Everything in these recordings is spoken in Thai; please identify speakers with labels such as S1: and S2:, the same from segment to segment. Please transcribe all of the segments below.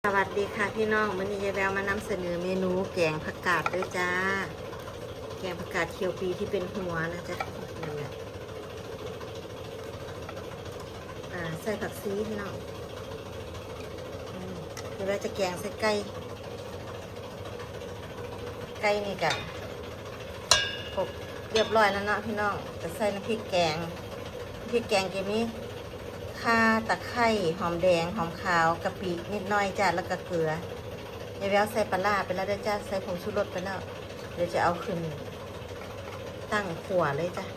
S1: สวัสดีค่ะพี่น้องวันนี้ยายแววมานำเสนอเมนูแกงผักกาดด้วยจ้าแกงผักกาดเคียวปีที่เป็นหัวนะจ๊ะนี่แหละใส่ผักซีพี่น้องยายแววจะแกงใส่ไก่นี่กะกบเรียบร้อยแล้วเนาะพี่น้องจะใส่น้ำพริกแกงเกมนี้ข่าตะไคร้หอมแดงหอมขาวกะปินิดหน่อยจ้ะแล้วก็เกลือยายแววใส่ปลาร้าไปแล้วด้วยจ้ะใส่ผงชูรสไปแล้วเดี๋ยวจะเอาขึ้นตั้งขั่วเลยจ้ะ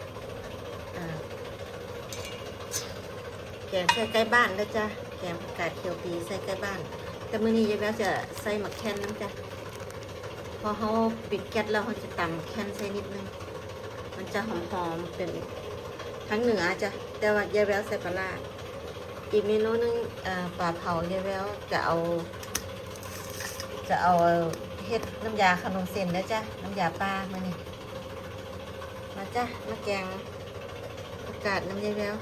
S1: แกงใส่ใกล้บ้านด้วยจ้ะแกงผักกาดเขียวปีใส่ใกล้บ้านแต่มื้อนี้ยายแววจะใส่หมักแคนนะจ้ะพอเขาปิดแก๊สแล้วเขาจะตำแคนใส่นิดนึงมันจะหอมๆเป็นทั้งเหนือจ้ะแต่ว่ายายแววใส่ปลาร้าอีกเมนูนึงปลาเผายายแววจะเอาเฮ็ดน้ำยาขนมเส้นนะจ้ะน้ำยาปลามานี่มาจ้ะมาแกงผักกาดน้ำยายแวว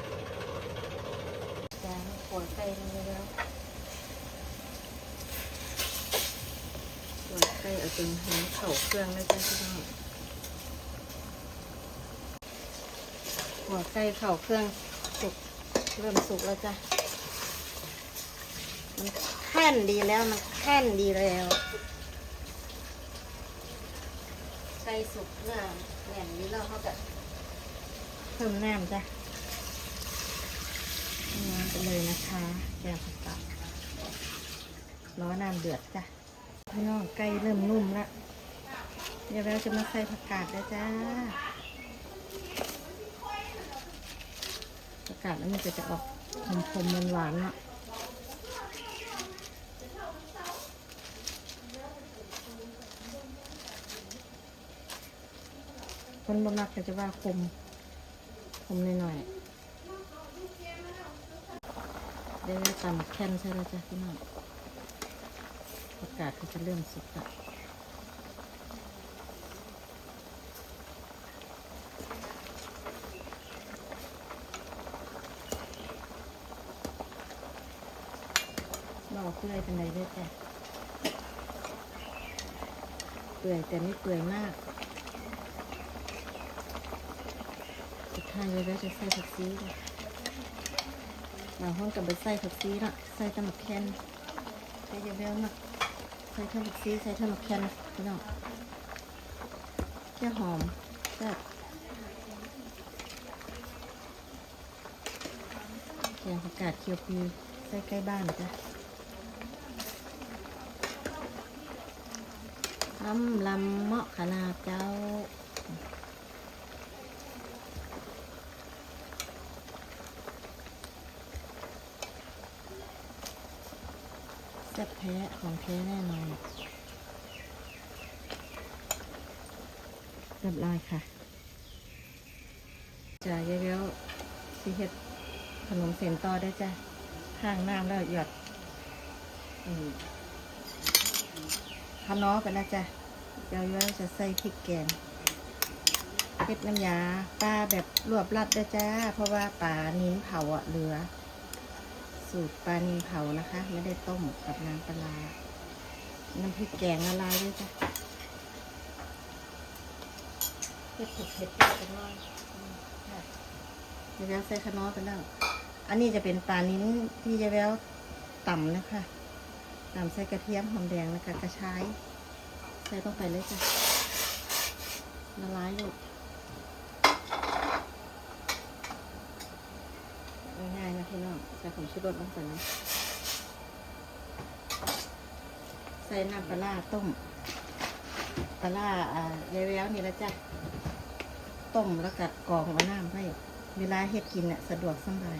S1: แกงขั่วไก่น้ำยายแววขั่วไก่เอาจนหอมเข้าเครื่องเลยจ้ะพี่น้องขั่วไก่เข้าเครื่องสุกเริ่มสุกแล้วจ้ะมันแค่นดีแล้วไก่สุกเนื้อแน่นนี้แล้วเขาจะเพิ่มน้ำจ้ะน้ำไปเลยนะคะแกงผักกาดร้อนน้ำเดือดจ้ะพี่น้องไก่เริ่มนุ่มแล้วเดี๋ยวเราจะมาใส่ผักกาดแล้วจ้าผักกาดแล้วมันจะออกขมๆหวานๆเนาะคนบำรักก็จะว่าคมหน่อยๆได้ตำแคนใช่แล้วจ้ะพี่น้องผักกาดก็จะเริ่มสุกละบอกเปื่อยเป็นไรด้วยจ้ะเปื่อยแต่ไม่เปื่อยมากสุดท้ายเลยแล้วจะใส่ผักชีบางห้องกับใบใส่ผักชีละใส่ตำบักแคนใส่เยอะๆมากใส่ตำบักชีใส่ตำบักแคนพี่น้องแค่หอมแซ่บแกงผักกาดเคียวปีใส่ใกล้บ้านจ้ะลำเหมาะขนาดเจ้าแซ่บแท้ของแท้แน่นอนเรียบร้อยค่ะจะเยอะๆที่เฮ็ดขนมเส้นต่อได้จ้ะข้างน้ำแล้วหยดขนอไปแล้วจ้ะเดี๋ยวจะใส่พริกแกงเฮ็ดน้ำยาปลาแบบรวบรัดได้จ้าเพราะว่าปลานิ้นเผาเหลือสูตรปลานิ้นเผานะคะไม่ได้ต้มกับน้ำปลาน้ำพริกแกงละลายด้วยจ้ะเผ็ดกันหน่อยยายแววใส่ขนอไปแล้วอันนี้จะเป็นปลานิ้นที่ยายแววต่ำนะคะตามใส่กระเทียมหอมแดงแล้วก็กระชายใส่ลงไปเลยจ้ะละลายอยู่ง่ายๆนะพี่น้องใส่ผงชูรสลงไปนะใส่น้ำปลาต้มปลายายแววนี่แล้วจ้ะต้มแล้วก็กรองเอาน้ำไว้เวลาเฮ็ดกินสะดวกสบาย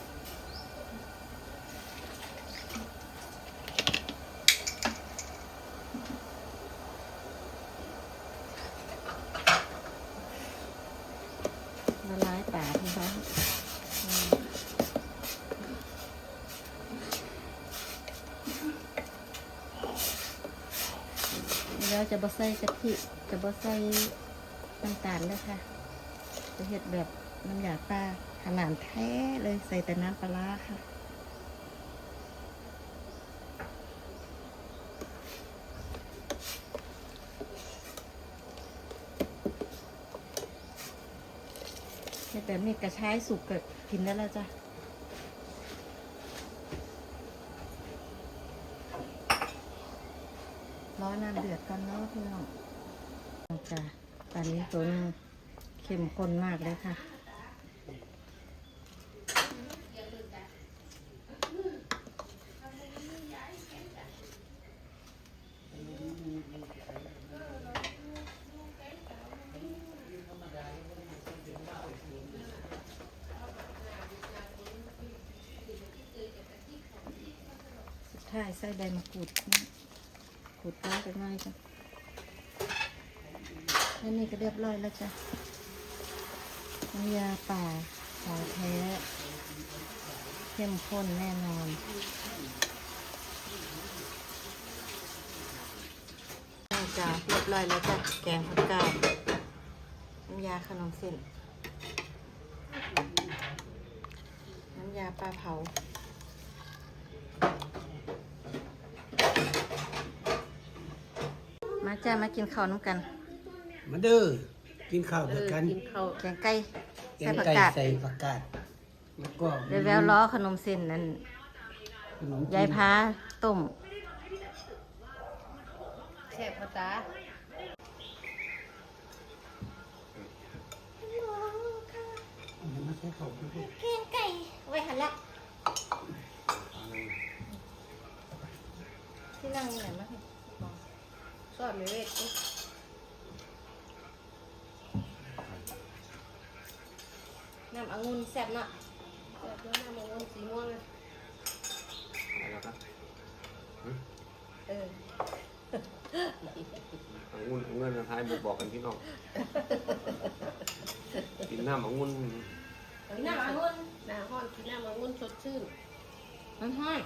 S1: ละลายป่าพี่น้องแล้วจะบ่ใส่กะทิจะบ่ใส่น้ำตาลเลยค่ะจะเฮ็ดแบบน้ำยาปลาขนาดแท้เลยใส่แต่น้ำปลาค่ะแต่มีกระชายสุกก็กินได้แล้วจ้ะรอน้ำเดือดก่อนเนาะพี่น้องจ้ะตอนนี้ตัวนึงเข้มข้นมากเลยค่ะใช่ใส่ใบมะกรูดขูดลงไปหน่อยจ้ะแล้วนี่ก็เรียบร้อยแล้วจ้ะน้ำยาป่าของแท้เข้มข้นแน่นอนจ้ะเรียบร้อยแล้วจ้ะแกงผักกาดน้ำยาขนมเส้นน้ำยาปลาเผามาจ้ามากินข้าวน้ำกัน
S2: มาเด้อกินข้าวด้วยกัน
S1: กินข้าวแกงไก่
S2: แก
S1: ใส่
S2: ง
S1: ผัก
S2: ไก่
S1: กาด
S2: ใส่ผักกาดแล้วก็
S1: แววล้อขนมเส้นนั่น
S2: ขนมจีน
S1: ยายพาต้มแซ่บภาษา
S2: มาใส่ข้าวด้วย
S1: แกงไก่ไว้หันละที่นั่งนี่ไหนมาซอสไม่เวทน้ำองุ่นแซ่บเนาะแซ่บแล้วน้ำองุ่นสีม่วงอ่ะ
S3: อะไรครับ
S1: เออ
S3: องุ่นเงินทายบอกกันพี่น้องกินน้ำองุ่น
S1: น้ำองุ่น
S4: หน้าห้อนกินน้ำองุ่นสดชื่น
S1: มันห้อน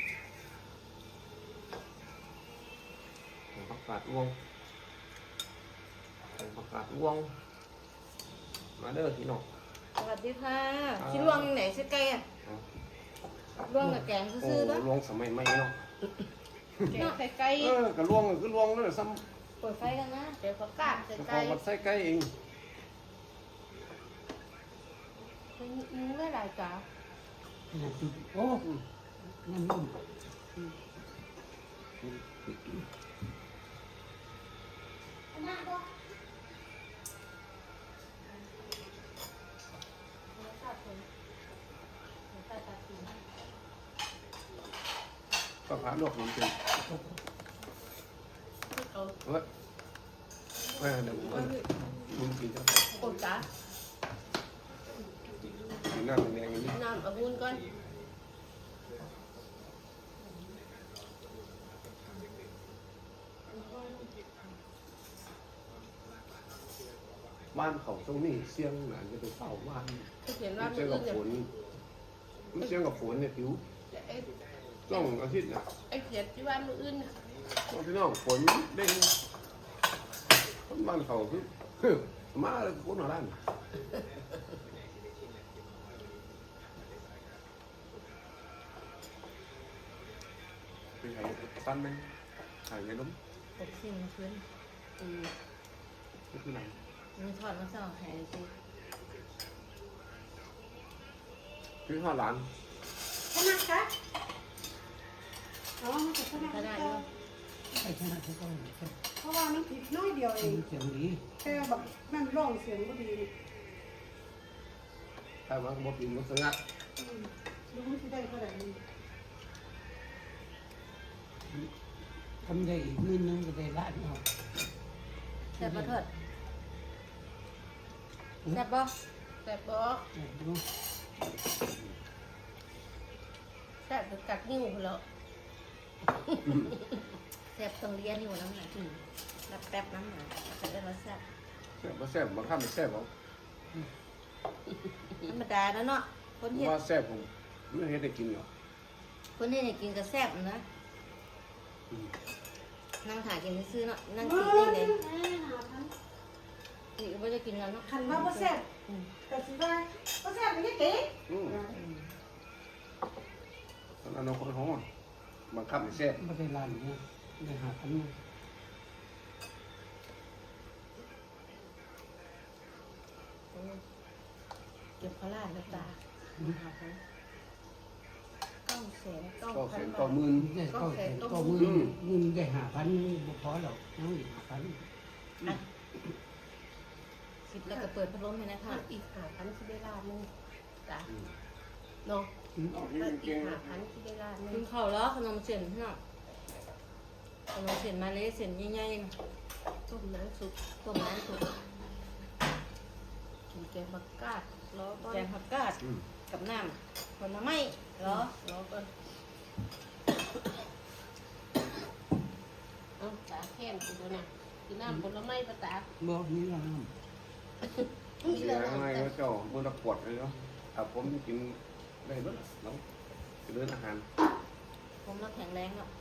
S3: ผักกาดอ้วงผักกาดอ้วงมาเด้อพี่น้อง
S1: สวัสดีค่ะชิลวงไหนชิไก่อะลวงกับแกง
S3: โอ้
S1: ซื่อๆปะ
S3: ลวงสมัยใหม่เนาะ
S4: แกงใส่ไก่
S3: กระลวงคือลวงนั่นแหละซ้
S1: เปิดไฟกันนะ
S4: แกงผักกาดใส่
S3: ำ
S4: ไก่
S3: พอมันใส่ไก่เอง
S4: เป็นเนื้อหลายจ้า
S2: โอ้น้ำนุ่ม
S3: ก็พาลวกมันเป็น
S4: เอา
S3: เฮ้ยเฮ้ยเดี๋ยวมึงกินเจ้า
S4: โอ้จ้า
S3: กินน้ำแดงอย่างนี้
S4: น้ำองุ่นก่อน
S3: บ้านเขาตรงนี้เสียงหลานจะไปเฝ้าบ้าน
S4: เขาเขียนว่า
S3: เสี
S4: มื
S3: ยง
S4: อ
S3: กับ
S4: อื่น
S3: ฝนเสียงกับฝนเนี่ยผิว
S4: ไอ้
S3: ต้องอาทิตย์นะ
S4: ไอ้เขียนที่ว่ามืออื่นน่ะ
S3: พี่น้องฝนเด้งคนบ้านเขาคือมาเลยคนหัวร้านไปหายปั้นไหมหายไงล้ม
S1: ตกสิ้นพื้น
S3: นี่คือไหน
S1: มีทอดมันสองแห่สิ
S3: คือข้าวหลาน
S5: ชนะคะอ๋อมันจะชนะ
S1: ก็ได้อยู่
S2: ใส่ชนะทุกคน
S5: เพราะว่ามันผิดน้อยเดียวเอง
S2: เสียงดี
S5: แค่แบบนั่นร้องเสียงก็ดี
S3: ถ้ามันบ่กินมันสงัด
S5: รู้มันจะได้เท่าไหร่
S2: ทำได้อีกมื้อนึงก็ได้ล้านเอา
S1: แซ่บปะเถิดแซ่บบ่
S4: แต่บ่
S2: ดู
S4: แต่ถึงกัดนิ้วแล้ว
S1: แซ่บต้องเลี้ยนอยู่น้ำหนักรับแป๊บน้ำหนักจะได้รสแซ่บ
S3: แซ่บบ่แซ่บบ่ข้ามแซ่บบ่
S1: ธรรมดาแล้วเนาะคนเฮ็ด
S3: ว่าแซ่บผมไม่เห็นได้กินหรอก
S1: คนเฮ็ดให้กินก็แซ่บนะนั่งถ่ายกินซื่อๆเนาะนั่งกินเองเลยนี่ก็บ่จะกินแล้วเนาะ
S5: ขันว่าพ่อแซ่บแต่สิว่าพ่อแซ่บเป็นยังไง
S3: ตอนนั้นเราคนห้องบังคับให้แซ่บ
S2: ไม่ได้ล้านเนี่ยได้หาพัน
S1: เ
S4: เก็บพลาดนะจ๊ะ900,000
S3: ก็แสน
S4: 9,000
S3: ต่อบ
S4: าท
S3: หมื่น
S2: ได้ก็มือเงินได้5,000บ่พอหรอกน้องอีก5,000
S1: คิดแล้วก็เปิดพัดลมให้นะคะ
S4: อีก5,000ที่ได้ล้านนึงจ้ะเนาะ
S3: เอาที่
S4: อี
S3: เก่ง
S4: ก5,000ที่ได้ล้านนึ
S1: กิ
S4: ง
S1: นข้าวแล้วขนมเส้นพี่น้องขนมเส้นมาเลยเส้นใหญ่ๆนะ
S4: ต้มน้ำซุป
S1: ต้มน้ำสุก
S4: กินแกงบักกาดรอก่อน
S1: แกงผักกาดกับน้ำผลไม้เหรอ
S4: รอก่อนเอาตาแค้นกินตัวน่ะกินน้ำผลไม้ปะตา
S2: บ่นี่ล่ะน้
S4: มี
S3: เสี
S4: แล้
S3: ยว ยังไง
S4: แต่
S3: ก็เจ้ามันตะกวดเลยเนาะถ้าผมกินได้เบิดเนาะจะเดินอาหาร
S1: ผมเราแข็งแรงเนาะ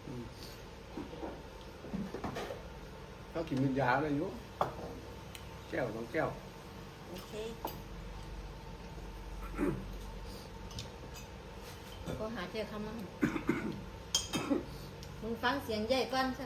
S3: เขากินเป็นยาเลยอยู่แก้ว2 แก้ว
S1: โอเคก็หาเจอคำนั้นมึงฟังเสียงใหญ่ก่อนสิ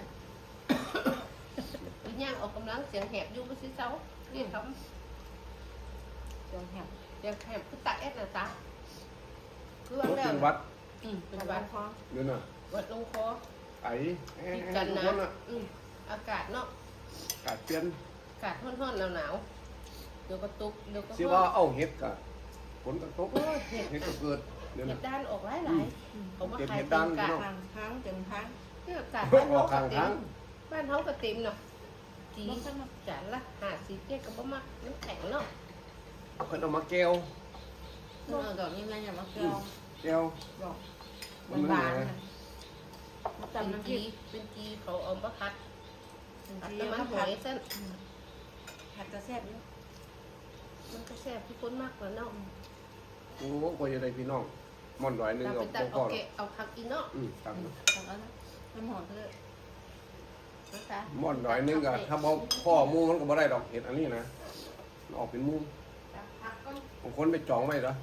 S4: วิญญาณออกกำลังเสียงแหบอยู่บ่สิเซาเรียกค
S1: เสียงแหบ
S4: ำเสียงแหบคือตาเอ็ดน่ะตาคือ
S3: ร
S4: ว่า
S3: ถ
S4: แล้ว
S3: เป็นวัด
S4: เป็นหวัด
S1: คอ
S3: เดี๋ยวน่ะ
S4: วัดลงคอ
S3: ไอ้
S4: ติด
S3: ให้
S4: กัน
S3: ทุก
S4: นะ
S3: คนน่ะ
S4: อากาศเนาะ
S3: กาดเปลี่ยน
S4: อากาศร้อนๆหนาวๆเดี๋ยวก็ตกเดี๋ยวก็
S3: สิว่าเอาเห็ดกะฝนก็ตก
S4: โอ้ยเห็ด
S3: เห็ดก็เกิดเดี๋ยว
S4: เห็
S3: น่ะ
S4: ดด้านออกหลายๆเขามา
S3: เก็บ
S4: ขาย
S3: เห็ด
S4: เต็
S3: ด้าม น
S4: กะ
S3: เนาะ
S1: ทางทางเต็มทาง
S4: เนี่ยอากาศ
S3: ออกข้างทาง
S4: บ้านเขาก็เต็มเนาะจีจานละ50เจ็ดก็บ่มักน้ำแข็งเนาะ
S3: เพิ่นเอามาแก้ว
S1: เมื่อดอกนี้มันอย่ามาเกลียว
S3: แก้ว
S1: ดอก
S3: มัน
S1: หวาน
S3: ไง
S1: ๆนะมา
S4: เป็น
S1: จำน้ำพริ
S4: จี
S1: ก
S4: เป็นจีเขาเอามาพัด
S1: เป็น
S4: ผัด
S1: ที่
S4: น้ำมัน
S1: มา
S4: ห
S1: ผั
S4: อ
S1: ด
S4: ยเส้น
S1: ผัดกระแซ่บอยู่
S4: มันก็แซ่บทุกคนมากกว่าเนาะ
S3: โอ้โหกว่าจะได้พี่น้องม่อนร้อยหนึง
S4: เรา
S3: ก็
S4: ไปตัด
S3: บ่พ
S4: เอา
S3: อหร
S4: เกะ
S3: อก
S4: เอาผักอีเนาะ
S3: ตังค์
S1: ทำเอานะน้ำหอมเถอะ
S4: นะคะ
S3: ม่อนร้อยหนึงก็ถ้าบ่พ่อหมู่มันก็บ่ได้ดอกเห็ดอันนี้นะมันออกเป็นหมู่
S4: ผักก็
S3: บางคนไปจองไว้เหรอ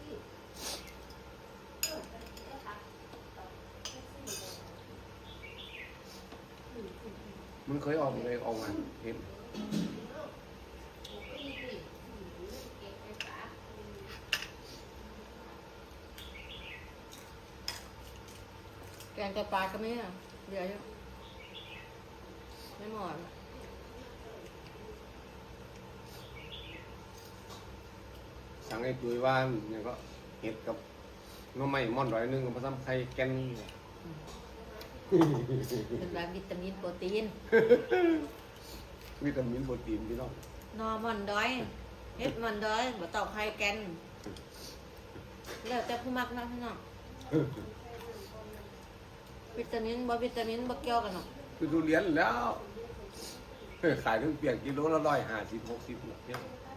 S3: มันเคยออกเลยออกมาเห็น
S1: แกงกระปลาก็ไม่อะเดี๋ยวอยู่ไม่หมด
S3: สั่งไอ้ตุยว่าเนี่ยก็เห็ดกับน้ำไม้ม่อนร้อยหนึงกับผสมไข่แกนนี่
S1: เป็นแบบวิตามินโปรตีน
S3: วิตามินโปรตีนพี่น้อง
S1: นอมันดอยเฮ็ดมันดอยบ่ตอกไข่แกนแล้วแต่ผู้มักนะพี่น้องวิตามินวิตามินบ่เกี่ยวกันหรอก
S3: คือทุเรียนแล้วขายทั้งเปียกกิโลละ150-60เนี่ย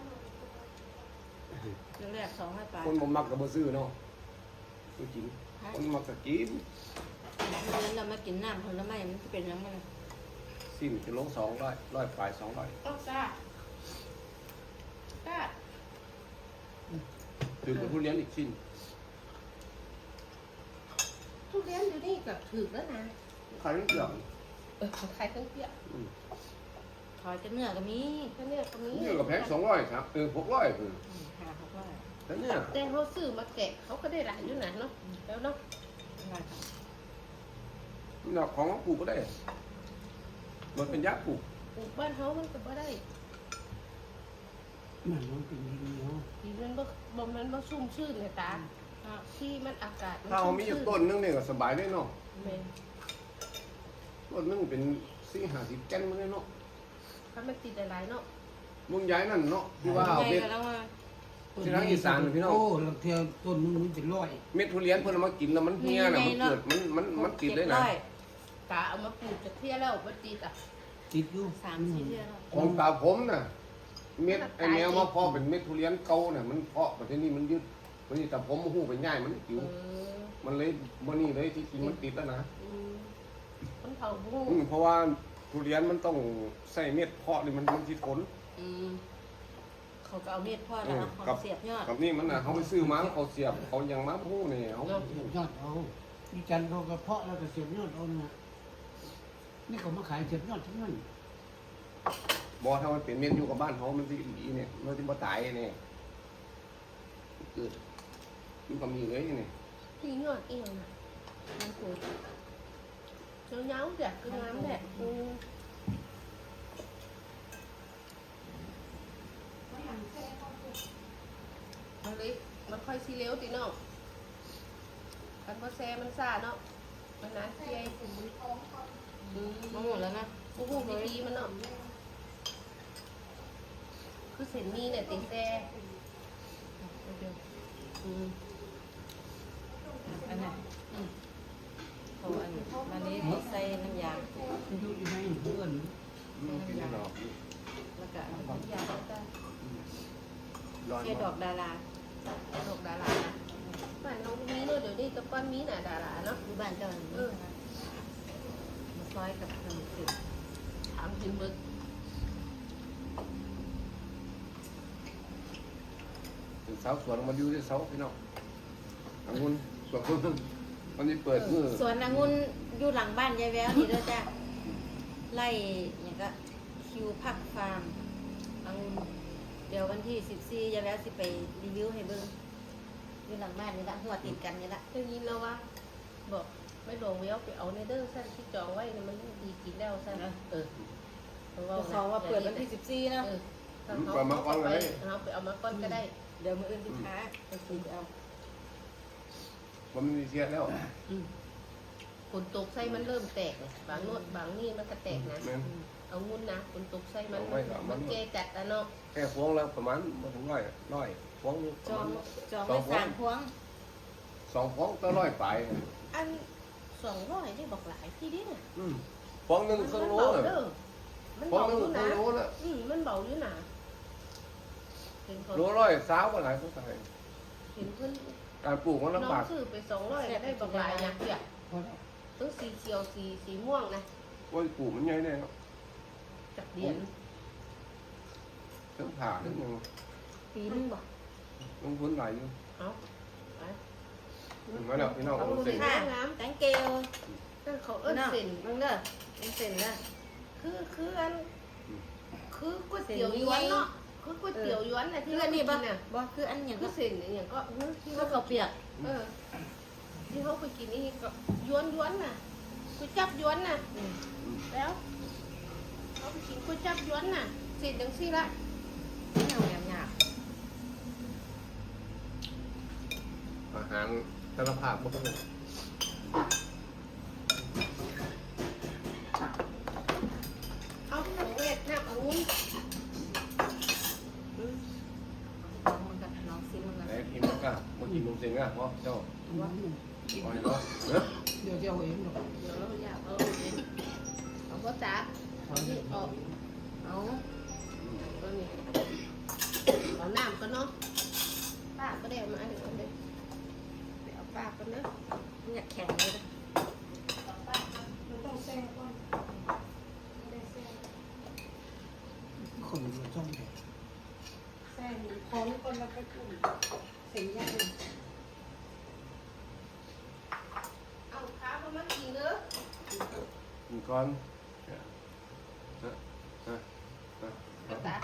S1: เรื่องแรก200 บาท
S3: คนบ่มักก็บ่ซื้อเนาะซื้อกินคนมักก็กิน
S1: เรียนเรามากินน้ำผลไม้มันจะเป็นยังไง
S3: สิ้นกิโล200 100ปลาย200
S4: ต้องกล้า
S3: ถือกับทุเรียนอีกสิ้น
S4: ทุเรียนอยู่นี่กับถือแล้วนะ
S3: ขายทั้งเปลือก
S4: ขายทั้งเปียก
S1: ถอยจะเนื้อก็มี
S4: ถ้าเนี่ยตรงนี้
S3: นี่ก็แพง200ครับ600คือ
S1: หาเขาว่า
S3: แต่เนี่ย
S4: แต่เขาซื้อมาแกะเขาก็ได้หลายอยู่นะเนาะแล้วเนาะ
S1: อะไรครับ
S3: นี่เราของปลูกก็ได้มันเป็นยาปลูก
S4: ปลูกบ้านเขามันก็บ่ได้
S2: มันมันเป็นดินเหนียว
S4: ดีมันบ่ชุ่มชื่นเลยตาที่มันอากาศ
S3: ถ้าเอามีอยู่ต้นนึงเนี่ยก็สบายได้เนาะ
S4: แม่น
S3: ต้นนึงเป็น40-50แกนมันเลยเนาะ
S4: ถ้ามันติดหลายๆเนาะ
S3: มึงย้ายนั่นเนาะที่ว่าเอา
S1: ไง
S3: เม็ด
S1: ก็แล้วว่า
S3: ที่ทางอีสานพี่น้อง
S2: โอ้ลังเทียต้นนึงมันเป็นร้อย
S3: เม็ดทุเรียนเพิ่นเอามากินแล้วมันเหี่ยน่ะมันเกิดมันติดเลยนะ
S4: ตาเอามาปลูกจะเที่ยแล้วบ่ติดอ่ะ
S2: ติดอยู่
S1: 3-4เดือนแล้ว
S3: ของตาผมน่ะเม็ดไอ้แมวมาเพาะเป็นเม็ดทุเรียนเก่าน่ะมันเพาะประเทศนี้มันยึดมันนี่แต่ผมหู้ไปง่ายมันจิ๋ว
S4: เออ
S3: มันเลยบ่นี่เลยที่จริงมันติดแล้วนะ
S4: มันเผาบุ้ง
S3: เพราะว่าทุเรียนมันต้องใส่เม็ดเพาะนี่มันสิทน
S1: เขาก็เอาเม็ดพ่อแล้วเอาของเสียบยอด
S3: กับนี่มันน่ะเขาไปซื้อมาเขาเสียบเขายังมาหู้นี่เขา
S2: เสียบยอดเอาดิจันเขาก็เพาะแล้วก็เสียบยอดเอานะนี่เขามาขายเสียบยอดทั้งนั้น
S3: บ่ถ้ามันเป็นเม็ดอยู่กับบ้านเขามันสิดีเนี่ยมันสิบ่ตายเนี่ยเกิดมันก็มีเลยนี่
S4: ที่ยอดเอวน่ะมันกูเงาๆแบบคืองามแหละมันเลยมันค่อยซีเลี้ยวตีน้องกันพอแซ่มันซ่าเนาะมันนานเที่ย
S1: มาหมดแล้วนะ
S4: โอ้โหดีๆมันเนาะคือเส้นมีเนี่ยติแซ่
S1: อันนั้นเขาอันนี้ใส่น้ำยา
S2: มันอยู่ที่ไหนเพื่อน
S3: เป็นดอก
S1: แล้วก็
S4: ยาแล้วก็
S3: ร้อน
S1: แค่ดอกดารา
S4: ดอกดาราบ้านน้องมีเนาะเดี๋ยวนี้ตะก้อนมีน่ะดาราเนาะ
S1: อยู่บ้านเจ้าหนึ่งมาซอยกับขนมจีบ
S4: ถามจริงเบิก
S3: เป็นสาวสวนมาอยู่ที่เสาพี่น้ององุ่นสวนเพิ่งวันนี้เปิดมือ
S1: สวนองุ่นอยู่หลังบ้านยายแววนี่ด้วยจ้ะไล่อย่างก็คิวพักฟาร์มองุ่นเดี๋ยววันที่14ยายแววสิไปรีวิวให้เบิ่งอยู่หลังบ้านนี่ละหัวติดกันนี่ละ
S4: ได้ยินแล้วว่าบอกไม่หลงเวลไปเอาในเด้อสั้นที่จองไว้มันดีกินแล้วสั้น
S1: เขาว่าเปิดวันที่14นะ
S4: เขาไปเอามาก้อนก็ได้
S1: เดี๋ยวมื้ออื่นสิค้าไปซื้อเอา
S3: มันมีเสียแล้ว
S4: ฝนตกไส้มันเริ่มแตกบางโน้ตบางนี่มันก็แตกนะ
S3: แม่น
S4: เอางุ่นนะฝนตกไส้มันแก่จัดแล้วเนาะ
S3: แค่พวงแล้วประมาณมาถึงร้อยพวง
S1: จองไว้3พวง
S3: 2พวงก็ร้อยปลาย
S4: อัน200ได้บอกหลายที่ดิเนี่ย
S3: พวงหนึงครึ่งโล
S4: มัน
S3: น่ะ
S4: เบา
S3: พวง
S4: อยู่
S3: หนึงค
S4: นะ
S3: รึ่งโลน่ะ
S4: มันเบาอยู่นะเห็น
S3: โลร้อยสาวก็หลายคนตาย
S4: เห็นเพื่อน
S3: การปลูกมัน
S4: น้อ
S3: ลำบาง ก
S4: ซื้อไป200ได้บอกหลายอย่างเดียว
S2: พอแล้ว
S4: ต้องสีเขียวสีม่วงนะ
S3: ว่าปลูกมันใหญ่แน่เนาะ
S4: จากเดียน
S3: ทั้งผ่าทั้งหยัง
S1: ปีนึงบ่
S3: ลงทุนหลายอยู่
S4: เอาไป
S3: มาแล้วพี่น้อง
S4: เอา
S3: เอา
S4: ดู
S3: เสร็จ
S4: ค่ะน้
S1: thank you
S4: ำนั่นเขาเอิ้นเส้น
S1: มึงเด้อเป็นเส้นนะ
S4: คืออันคือก๋วยเตี๋ยวยวนเนาะคือก๋วยเตี๋ยวยวนน่ะที่
S1: คือ
S4: เรา
S1: อัน
S4: นี่
S1: นี้บ่
S4: น่ะ
S1: บ่คืออันหยัง
S4: ก็
S1: ก็
S4: เส้นอย่างก็ที่
S1: ก็ข้าวเปียก
S4: ที่เขาไปกินนี่ก็ย้วนน่ะก๋วยจับย้วนน่ะแล้วเขาไปกินก๋วยจับย้วนน่ะเสร็จจังซี่ละ
S1: เหนียวหยาบ
S3: อาหารสารภาพบ่เป็น
S4: เอาของเวทน้ำองุ่น
S1: มันก็น้องซิมันก็
S3: ไหนทีมก็บ่กินนมเสียงอ่ะเพราะเจ้า
S2: ว่า
S3: ปล่อยเนาะเด้อ
S2: เดี๋ยวจะเอาเองหรอก
S4: เดี๋ยวเราอยากเอาเองเอาก็จ้าเอาที่ออก
S1: เอา
S4: เอานี่เอาน้ำก็เนาะป้าก็ได้มาเดี๋ยวเดี๋ยวเอาป้าก็เนาะ
S1: มันอยากแข็งเลยนะ
S5: มันต้องแซ่ก่อนได้แซ่
S2: คนมันช่องเด็ก
S5: แซ่ของคนละไปกลุ่มเส้นใหญ่
S4: เอาข้าวมากินเด้อ
S3: กินก่อนฮะ
S4: เอาตา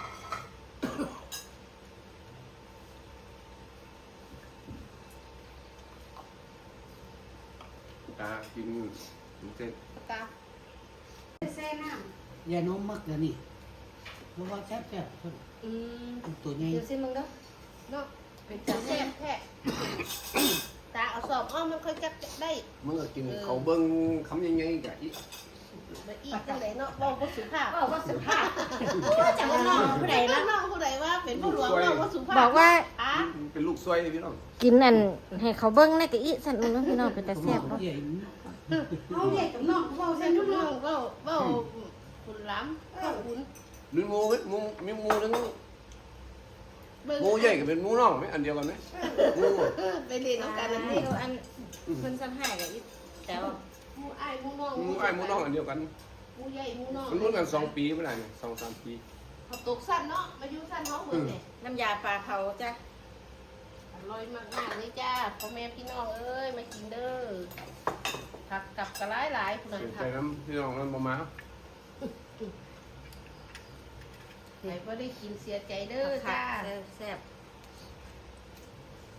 S3: ตากินเสร็จ
S4: เอาตา
S5: แซ่น้
S2: ยาโน้มมักแล้วนี่เพราะว่าแซ่บตัวใหญ่
S1: เดี๋ยวซิมึงเด้อ
S4: เนาะเป็นตาแซ่บแท้ตาเอาสอบอ้อมมันค่อยจับได้
S3: เมื่อกินเขาเบิ้งคำยังไงกะอี
S4: มาอีกจังไดเนาะบอกว่าสุภาพ
S1: บอกว่าสุภาพจังว่าน้องผู้ใด
S4: แล้
S1: ละ
S4: วน้องผู้ใดว่าเป็นผู้หลวงบอกว่าสุภาพ
S1: บอกว่า
S4: อ่ะ
S3: เป็นลูกซวยพี่น้อง
S1: กินนั่นให้เขาเบิ่งในกะอีสั่นมึงเนาะพี่น้องเป็นตาแซ่บบ่
S2: ใหญ่
S5: ำเอาใหญ่กับน้องเว้า
S4: ใส่
S5: ใส่
S4: ลู
S5: ลู
S4: ก
S5: ก
S4: น้
S5: น้
S4: อ
S5: อง ง
S4: ว่าคุณล้ำก็คุณ
S3: มีหมูเว้ยหมูมีหมูทั้ง
S4: เบิ่ง
S3: หมูใหญ่กับเป็นหมูน้องไหมอันเดียวกันไหมหมู
S4: ไปเรียนน้องกันนั่น
S1: ให้
S4: นี่
S1: ดูอันเพิ่นสั่งให้กะอีแต่ว่า
S4: หมูอ้ายหมูน้อง
S3: หมูไอ้หมูน้องอันเดียวกัน
S4: หมูใหญ่หมูน้อง
S3: มันรุ่นกัน2 ปีเมื่อไหร่เนี่ย2-3 ปี
S4: เขาตกสั้นเนาะมาอยู่สั้นน้องเหมือนเนี่ย
S1: น้ำยาปลาเผาจ้ะ
S4: อร่อยมากๆเลยจ้าพ่อแม่พี่น้องเอ้ยมากินเด้อผักกับกระหลายๆคุณ
S3: เสีย
S4: ผั
S3: ใจ
S4: ก
S3: น้ำพี่น้องมันบ่มา
S4: ไหนก็ได้กินเสียใจเด้อ
S1: ค่ะ
S4: จ้า
S1: แซ่บ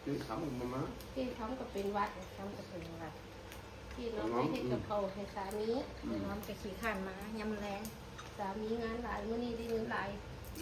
S3: คือคำมันมา
S4: ที่ทำก็เป็นวัดทำก็เป็นวัดที่น้องให้เฮ็ดกับเขาให้สามี
S1: เดี๋ยวน้องจะขี่ข้านมายำแรง
S4: สามีงานหลายมื้อนี้ได้เงินหลาย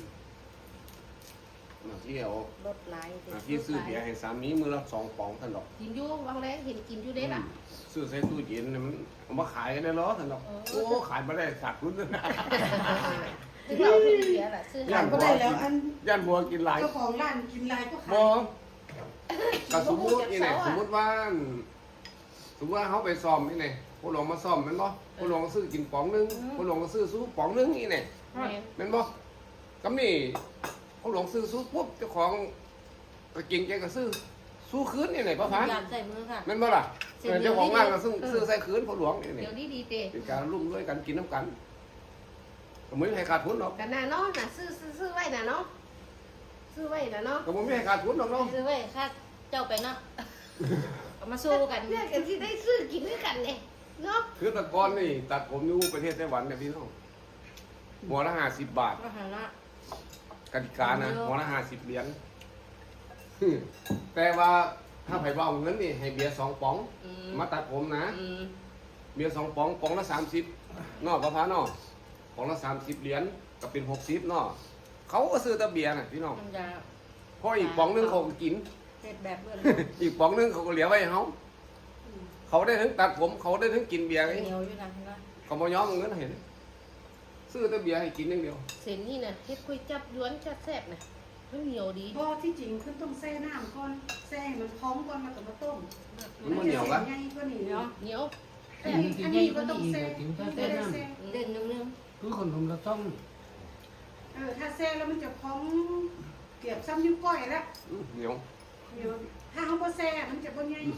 S3: ที่เอา
S1: รถไหลาย
S3: ที่ซื้อเบียร์ให้สามีมือละ2ป๋องท่านดอก
S4: กินอยู่วังแรงเห็นกินอยู่เด้ล่ะ
S3: ซื้อใส่ตู้เย็นเนี่ยมันเอามาขายกันได้เหรอท่านดอกโอ้ขายมาได้ขาดทุนนะ
S4: ซึ่งเราซื้อเบียร์ล่ะซื้อ
S2: ย่านก็ได้แล้วอัน
S3: ย่านบัวกินหลาย
S2: เจ้าของร้านกินลายก็ขาย
S3: บ่ก็สมมุตินี่แหละสมมุติว่าเขาไปซ่อมนี่ไงผู้หลวงมาซ่อมแม่นบ่ผู้หลวงก็ซื้อกินป๋องนึงผู้หลวงก็ซื้อสู้ป๋องนึงนี่ไง
S4: แม่น
S3: แม่นบ่กำนี่ผู้หลวงซื้อสู้ปุ๊บเจ้าของก็กินแกก็สู้คืนนี่ไงป้าพัน
S1: ยำใส่มือค่ะ
S3: แม่นบ่ล่ะเจ้าของร้านก็ซื้อใส่คืนผู้หลวงนี่
S4: เดี๋ยวดีเตะ
S3: เป็นการร่วมด้วยกันกินน้ำกันก็ไม่ให้ขาดทุนหรอก
S4: กันน่ะเนาะน่ะซื้อไว้น่ะเนาะซื้อไว้น่ะเนาะ
S3: ก็ไม่ให้ขาดทุนหรอกเนาะ
S1: ซื้อไว้ค่าเจ้าไปเนาะเอามาสู้กัน
S4: เนี่ยกันที่ได้ซื้อกินด้วยกันเนี่ยเนาะ
S3: คือแตะกอนนี่ตัดผมอยู่ประเทศไต้หวันเนี่ยพี่น้องหัวละ50 บาท
S1: ก็หาละ
S3: กติกานะหัวละ50 เหรียญแต่ว่าถ้าไผ่ว่าเอาเงินนี่ให้เบียร์2 ป๋อง มาตัดผมนะ เบียร์2 ป๋องป๋องละ30นอกประพานอกป๋องละ30 เหรียญก็เป็น60นอกเขาก็ซื้อแต่เบียร์น่ะพี่น้อง
S1: น้ำยา
S3: เพราะอีกป๋องนึงเขาก็กิน
S1: เผ็ดแบบเบื่อ
S3: อีกป๋องนึงเขาก็เหลือไว้ให้เขาได้ทั้งตัดผมเขาได้ทั้งกินเบียร์
S1: เห
S3: ไง
S1: นียวอยู่นะนะ
S3: เขาบ่ยอมเอาเงินเห็น ซื้อแต่เบียร์ให้กินอย่างเดียว
S4: เส้นนี่น่ะเฮ็ดก๋วยจับยวนจัดแซ่บน่ะมันเหนียวดี
S2: เพราะที่จริงคือต้องแช่น้ำก่อนแช่ให้มันพร้อมก่อนมากับมาต้ม
S3: มันบ่เหนียวปะ
S2: ง่ายกว่านี้เนาะ
S4: เหนียว
S2: อันนี้ก็ต้องแช่ไม่ได้แช่
S1: เด่นนึง
S2: คือคนผมเราต้องถ้าแช่แล้วมันจะพร้อมเกียบซ้ำนิ้วก้อยแล้ว
S3: เหนียว
S2: เดี๋ยวถ้าเขาบ่แช่มันจะบ่ง่าย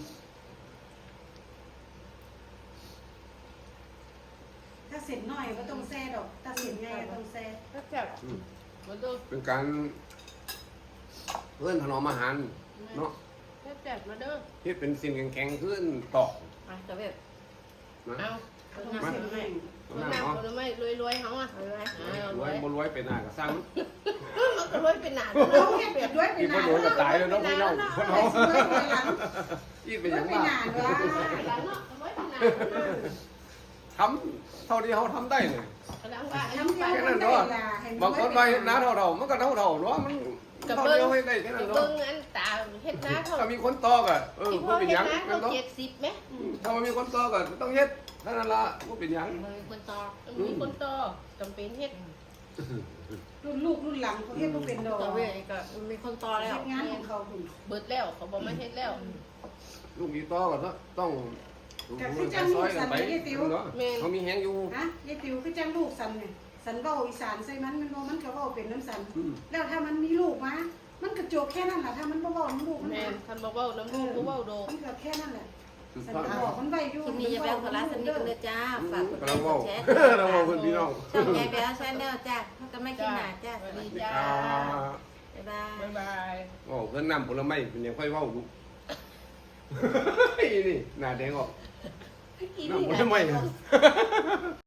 S2: ถ้าเสร็จน้อยก็ต้องแช่ดอกถ้าเสร็จง่ายก็ต้องแช่
S4: แซ่บมาดู
S3: เป็นการเพื่อนถนอมอาหารเนาะ
S4: แซ่บมาเด้อ
S3: เฮ็ดเป็นสิ่งแข็งๆขึ้นตอก
S1: อ่ะจะแบบ
S3: นะ
S4: เอา
S2: ต้องเสร็จง่าย
S4: คนน้ำคนไม่รวยๆเฮาอ่ะรวย
S3: รวยบ่รวยเป็นหน้าก็สร้าง
S4: รวยเป็นหนา
S2: เราเฮ็ดแบบด้วยไป
S3: อีกบ่
S2: นาน
S3: โดนก็ตายแล้วเนาะพี่น้อง
S2: ไปสวยไปหลัง
S3: อีกเป็นห
S2: ด้
S3: ยั
S2: วย
S3: ง
S2: ไป
S3: บ้า
S2: นานวะ
S4: หลังเนาะรวยเป็นหนา
S3: ทำเท่าที่เขาทำได้เนี่ย
S4: หลังว่า
S2: ทำ
S4: ไป
S2: เดียวกันได้ล่ะให้
S3: บางคนไปเฮ็ดนาเท่าๆมันก็เท่าๆเนาะมันเท่าเดียวให้ได้แค่นั้น
S4: เบิ่
S3: เนาะ
S4: งอันตาเฮ็ดนาเขา
S3: ถ้ามีคนตอกอ่ะบ่
S4: พ่อ
S3: เป็น
S4: เฮ็
S3: ห
S4: ด
S3: ยัง
S4: นา
S3: แม่
S4: เขา
S3: นเนาะ
S4: 70ไหม
S3: ถ้ามันมีคนตอกอ่ะต้องเฮ็ดเท่านั้นล่ะบ่เป็นหยัง
S1: มือคนตอ
S4: มีคนต่อจำเป็นเฮ็ด
S2: รุ่นลูกรุ่นหลังเขาเฮ็ดบ่เป็นดอก
S1: ตัวเว้ยก็มีคนตอแล้ว
S2: เฮ็ดงานของเขาคุณ
S4: เบิดแล้วเขาบอกมาเฮ็ดแล้ว
S3: ลูกอีตอกก็ต้องซอยกันไปเนาะเขามีแฮงอยู่
S2: ฮะยายติ๋วคือจังลูกสันเนี่ยสันเว้าอีสานใส่มันมันก็เว้าเป็นน้ำสัน แล้วถ้ามันมีลูกมามันก็จบแค่นั้นแหละถ้ามันบ่เว้าน้ำลูกมัน
S4: แม่นคันบ่เว้าน้ำลูกบ่เว้าโด
S2: มันก็แค่นั้นแหละ
S3: สุด
S2: สัน
S3: ท้าย
S2: บอกมันไว้อยู่
S1: คลิปนี้อย่าแบลพลาสนิทกันเลยจ้าฝากกดไล
S3: เรา
S1: ค์ก
S3: เว้า
S1: ดแชร์
S3: เราเว้าเพิ่นพี่น้อง
S1: ช่องยายแบลชาแนลจ้าเขาก็ไม่กินหนาจ้า
S4: สวัสดีจ้า
S1: บ๊ายบาย
S4: บ๊ายบาย
S3: โอ้เพิ่นนำผลไม้เป็นยังค่อยเว้าดูนี่หน้าแดงออก
S4: กิน
S3: น้ำผ
S4: นี่
S3: ลไม้
S4: นะ